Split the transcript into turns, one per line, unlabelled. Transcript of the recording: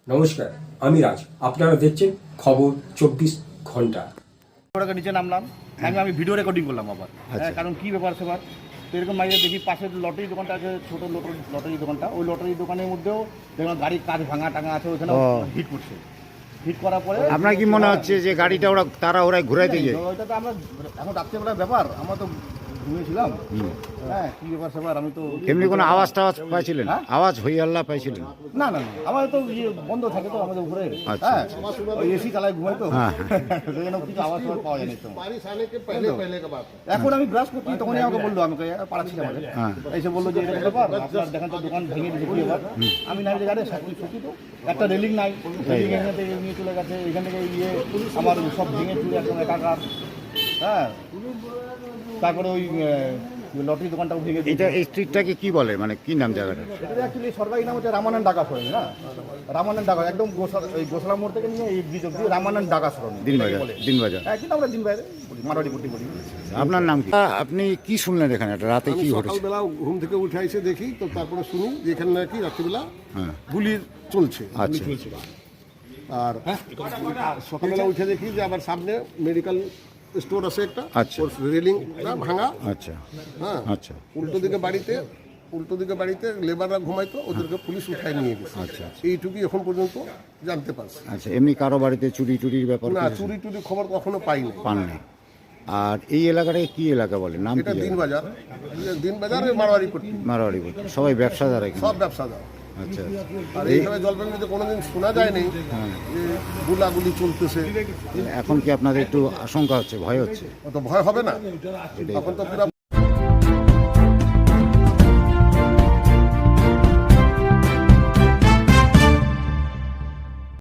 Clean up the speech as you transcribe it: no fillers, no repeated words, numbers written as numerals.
নমস্কার, আমি রাজ। আপনারা দেখছেন খবর 24 ঘন্টা।
ওটাকে নিচে নামলাম, আমি ভিডিও রেকর্ডিং করলাম আবার। কারণ কি ব্যাপার সেবার তো এরকম মাইরে দেখি পাশের লটারি দোকানটা আছে, ছোটো লটারি দোকানটা, ওই লটারি দোকানের মধ্যেও দেখলাম গাড়ির কাজ ভাঙা টাঙা আছে, ওইখানে হিট করছে। হিট করার পরে
আপনার কি মনে হচ্ছে যে গাড়িটা ওরা ঘুরাইতে গিয়ে?
ওইটা তো আমরা এখন রাত্রেবেলার ব্যাপার, আমরা তো ঘুমিয়েছিলাম। হ্যাঁ, কি ব্যাপার সেবার আমি তো
এমনি কোনো আওয়াজ টাওয়াজ পাইছিলেন? আওয়াজ হই আল্লাহ পাইছিলেন?
না না না, আমাদের তো বন্ধ থাকে তো আমাদের উপরে। হ্যাঁ, এসি চালায় ঘুমাই তো, সেই জন্য কিছু আওয়াজ পাওয়া যায় না। এখন আমি ব্রাশ করছি, তখনই আমাকে বললো, আমাকে পাড়াচ্ছি আমাদের এসে বললো যে এটা ব্যাপার, আপনার দেখেন তো দোকান ভেঙে দিয়েছে কি ব্যাপার। আমি নাই যে গাড়ি সত্যি তো একটা রেলিং নাই, রেলিং এখান থেকে নিয়ে চলে গেছে, এখান থেকে আমার সব ভেঙে চুলে একদম একাকার। হ্যাঁ, তারপরে ওই লটারি দোকানটাও ভেঙে
এটা এই স্ট্রিটটাকে কি বলে, মানে কি নাম জায়গাটা?
এটা অ্যাকচুয়ালি সরকারি নাম হচ্ছে রামানন্দ ডাকা সরণি। না, রামানন্দ ডাকা একদম গোসলা মোড় থেকে নিয়ে এই ব্রিজ অব্দি রামানন্দ ডাকা সরণি
দিনবাজার।
হ্যাঁ, কিন্তু আমরা দিনবাজারে মারোয়ারি পট্টি বলি।
আপনার নাম কি? আপনি কি শুনলেন এখানে রাতে কি ঘটেছে?
সকালবেলা ঘুম থেকে উঠে এসে দেখি, তো তারপরে শুনি যে এখানে নাকি রাত্রিবেলা গুলি চলছে। আর সকালবেলা উঠে দেখি যে আবার সামনে মেডিকেল স্টোর আছে একটা, রেলিংটা ভাঙা। হ্যাঁ, উল্টো দিকে বাড়িতে লেবাররা ঘুমাইতো, ওদেরকে পুলিশ উঠায় নিয়ে গেছে। এইটুকুই এখন পর্যন্ত জানতে পারছি।
এমনি কারো বাড়িতে চুরির ব্যাপার?
না, চুরি খবর কখনো পাইনি।
আর এই এলাকাটাকে কি এলাকা বলে? নাম
এটা
কি?
দিনবাজার মারোয়ারি পট্টি।
সবাই ব্যবসাদার এখানে?
সব ব্যবসাদার। আর এইভাবে জলপাইগুড়িতে কোনোদিন শোনা যায়নি যে গুলাগুলি চলতেছে।
এখন কি আপনাদের একটু আশঙ্কা হচ্ছে, ভয় হচ্ছে?
অত ভয় হবে না, তখন তো পুরো